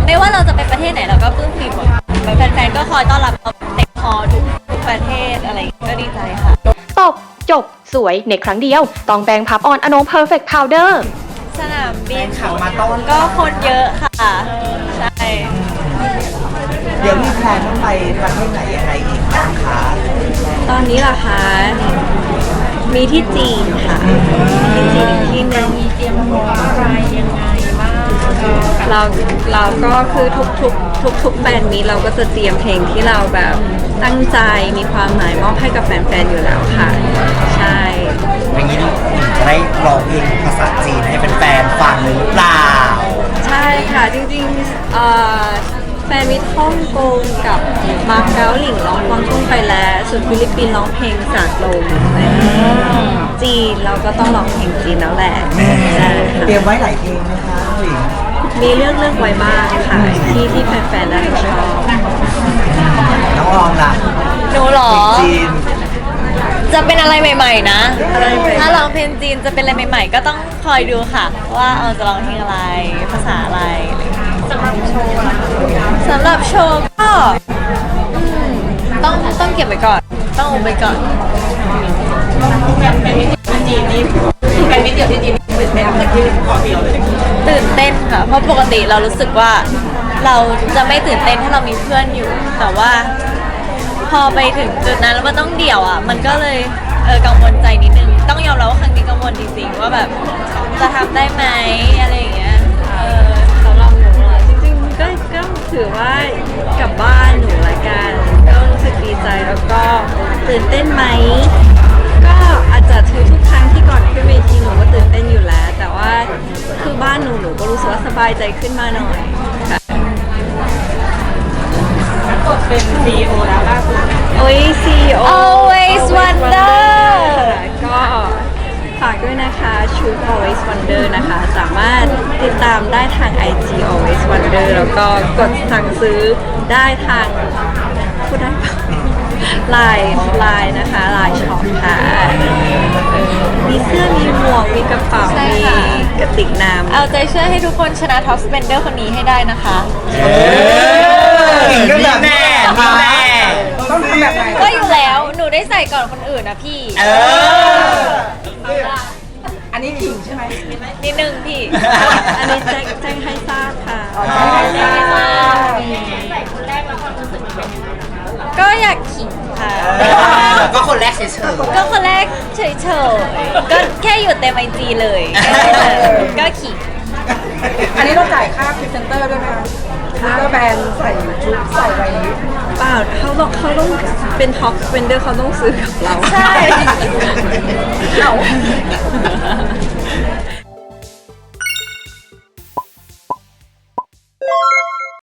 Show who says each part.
Speaker 1: ไม่ว่าเราจะไปประเทศไหนเราก็ปลื้มปริ่มหมดแฟนๆก็คอยต้อนรับเราเต็มคอทุกประเทศอะไรก็ดีใจค่ะ
Speaker 2: ตบจบสวยในครั้งเดียวต้องแบงพับออนอโนเพอร์เฟกต์พาวเดอร์
Speaker 1: สนามบินก็คนเยอะค่ะใช่
Speaker 3: เดี๋ยวมีแพลนต้องไปประเทศไหนยังไงอีกนะคะ
Speaker 1: ตอนนี้ล่ะคะมีที่จีนค่ะที่จีนอีกที่หนึ่งมีเตรียมพร้อมอะไรยังไงบ้างเราก็คือทุกแบรนด์นี้เราก็จะเตรียมเพลงที่เราแบบตั้งใจมีความหมายมอบให้กับแฟนๆอยู่แล้วค่ะใช่
Speaker 3: อย่างนี้จะได้ร้องเพลงภาษาจีนให้แฟนๆฟังหรือเปล่า
Speaker 1: ใช่ค่ะจริงๆแฟนมิตรฮ่องกงกับมาเก๊าหลิงร้องกวางตุ้งไปแล้วส่วนฟิลิปปินส์ร้องเพลงจากลมจีนเราก็ต้องร้องเพลงจีนแล้วแหละ
Speaker 3: เตรียมไว้หลายเพลงนะคะหลิง
Speaker 1: มีเลือกไว้บ้างค่ะที่แฟนๆน่าจะชอบ
Speaker 3: น้องลองล่ะ
Speaker 1: หนูหรอ
Speaker 3: จีน
Speaker 1: จะเป็นอะไรใหม่ๆนะถ้าร้องเพลงจีนจะเป็นอะไรใหม่ๆก็ต้องคอยดูค่ะว่าจะร้องเพลงอะไรภาษาอะไรสำหรับโชว์ก็ต้องเก็บไว้ก่อนต้องอุบไว้ก่อนจีนนี่แฟนมิตรเดียวที่จีนตื่นเต้นแต่ที่ขอเดียวเลยตื่นเต้นค่ะเพราะปกติเรารู้สึกว่าเราจะไม่ตื่นเต้นถ้าเรามีเพื่อนอยู่แต่ว่าพอไปถึงจุดนั้นแล้วมันต้องเดี่ยวอ่ะมันก็เลยกังวลใจนิดนึงต้องยอมรับว่าครั้งนี้กังวลจริงๆว่าแบบจะทำได้ไหมอะไรอย่างเงี้ยสำหรับหนูจริงๆก็ถือว่ากลับบ้านหนูละกันก็รู้สึกดีใจแล้วก็ตื่นเต้นไหมก็อาจจะทุกครั้งที่ก่อนขึ้นเวทีหนูก็ตื่นเต้นอยู่แล้วแต่ว่าคือบ้านหนูก็รู้สึกว่าสบายใจขึ้นมาหน่อยค่ะกดเป็น CEO แล้วล่าสุดโอ้ย CEO Always Wonder ก็ฝากด้วยนะคะชุด Always Wonder นะคะสามารถติดตามได้ทาง IG Always Wonder แล้วก็กดสั่งซื้อได้ทางพูดได้ปะไลน์นะคะไลน์ช็อปค่ะมีเสื้อมีหมวกมีกระเป๋ามีกระติกน้ำเอาใจช่วยให้ทุกคนชนะท็อปสเปนเดอร์คนนี้ให้ได้นะคะ
Speaker 3: ก็แบบแน่
Speaker 4: ต้องทำแบบไหน
Speaker 1: ก็อยู่แล้วหนูได้ใส่ก่อนคนอื่นนะพี่
Speaker 4: อันนี้ขิงใช่ไหม
Speaker 1: นิดนึงพี่อันนี้แจ้งให้ทราบค่ะ
Speaker 4: แจ้งให้ทราบ
Speaker 1: ก็อยากขิงค่ะ
Speaker 3: ก็คนแรกเฉย
Speaker 1: ๆก็คนแรกเฉยๆก็แค่อยู่เต็มไอจีเลยก็ขิง
Speaker 4: อันนี้เราจ่ายค่าพรีเซนเตอร์ด้วยไหมคะก็แบรนด์ใส่ชุดใส่ไว้
Speaker 1: เปล่าเขาต้องเป็นท็อปสเปนเดอร์เขาต้องซื้อกับเรา
Speaker 4: ใช่